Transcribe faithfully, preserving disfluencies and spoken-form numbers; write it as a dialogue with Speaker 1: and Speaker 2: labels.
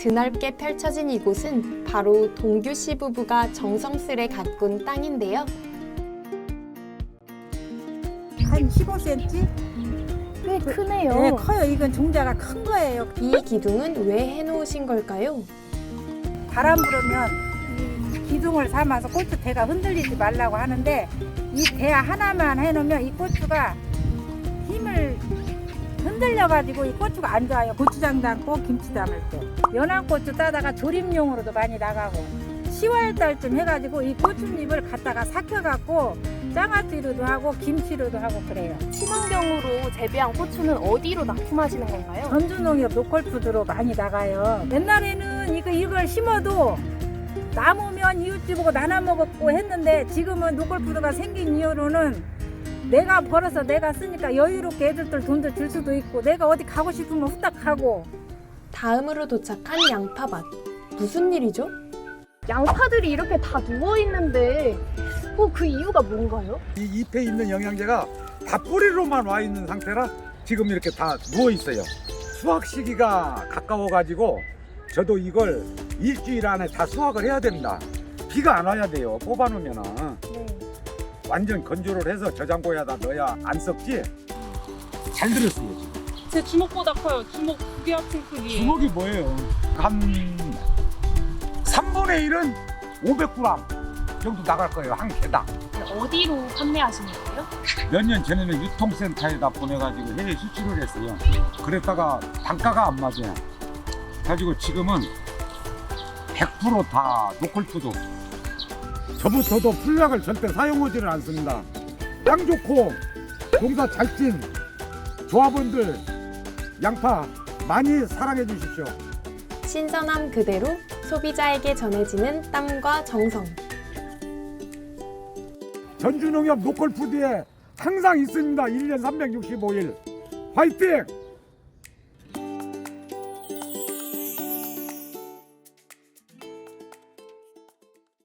Speaker 1: 드넓게 펼쳐진 이곳은 바로 동규 씨 부부가 정성스레 가꾼 땅인데요.
Speaker 2: 한 십오 센티미터?
Speaker 3: 꽤 크네요.
Speaker 2: 네, 커요. 이건 종자가 큰 거예요.
Speaker 1: 이 기둥은 왜 해놓으신 걸까요?
Speaker 2: 바람 불으면 이 기둥을 삼아서 고추 대가 흔들리지 말라고 하는데 이 대 하나만 해놓으면 이 고추가 힘을 흔들려가지고 이 고추가 안 좋아요. 고추장 담고 김치 담을 때. 연한 고추 따다가 조림용으로도 많이 나가고 시월 달쯤 해가지고 이 고추잎을 갖다가 삭혀갖고 장아찌로도 하고 김치로도 하고 그래요.
Speaker 3: 친환경으로 재배한 고추는 어디로 납품하시는 건가요?
Speaker 2: 전주농협 노컬푸드로 많이 나가요. 옛날에는 이거 이걸 심어도 남으면 이웃집 보고 나눠 먹었고 했는데 지금은 노컬푸드가 생긴 이후로는 내가 벌어서 내가 쓰니까 여유롭게 애들들 돈도 줄 수도 있고 내가 어디 가고 싶으면 후딱 가고.
Speaker 1: 다음으로 도착한 양파밭. 무슨 일이죠?
Speaker 3: 양파들이 이렇게 다 누워있는데 어, 그 이유가 뭔가요?
Speaker 4: 이 잎에 있는 영양제가 다 뿌리로만 와 있는 상태라 지금 이렇게 다 누워 있어요. 수확 시기가 가까워 가지고 저도 이걸 일주일 안에 다 수확을 해야 됩니다. 비가 안 와야 돼요. 뽑아 놓으면은
Speaker 3: 네.
Speaker 4: 완전 건조를 해서 저장고에다 넣어야 안 썩지. 잘 들었어요. 지금.
Speaker 5: 제 주먹보다 커요. 주먹 두 개 합친 크기.
Speaker 4: 주먹이 뭐예요? 한 삼분의 일은 오백 그램 정도 나갈 거예요. 한 개당.
Speaker 3: 어디로 판매하시는 거예요?
Speaker 4: 몇 년 전에는 유통센터에다 보내가지고 해외 수출을 했어요. 그랬다가 단가가 안 맞아요. 가지고 지금은 백 퍼센트 다 노컬푸드. 저부터도 풀약을 절대 사용하지를 않습니다. 땅 좋고 농사 잘 찐 조합원들 양파 많이 사랑해 주십시오.
Speaker 1: 신선함 그대로 소비자에게 전해지는 땀과 정성.
Speaker 4: 전주농협 노컬푸드에 항상 있습니다. 일 년 삼백육십오 일. 화이팅!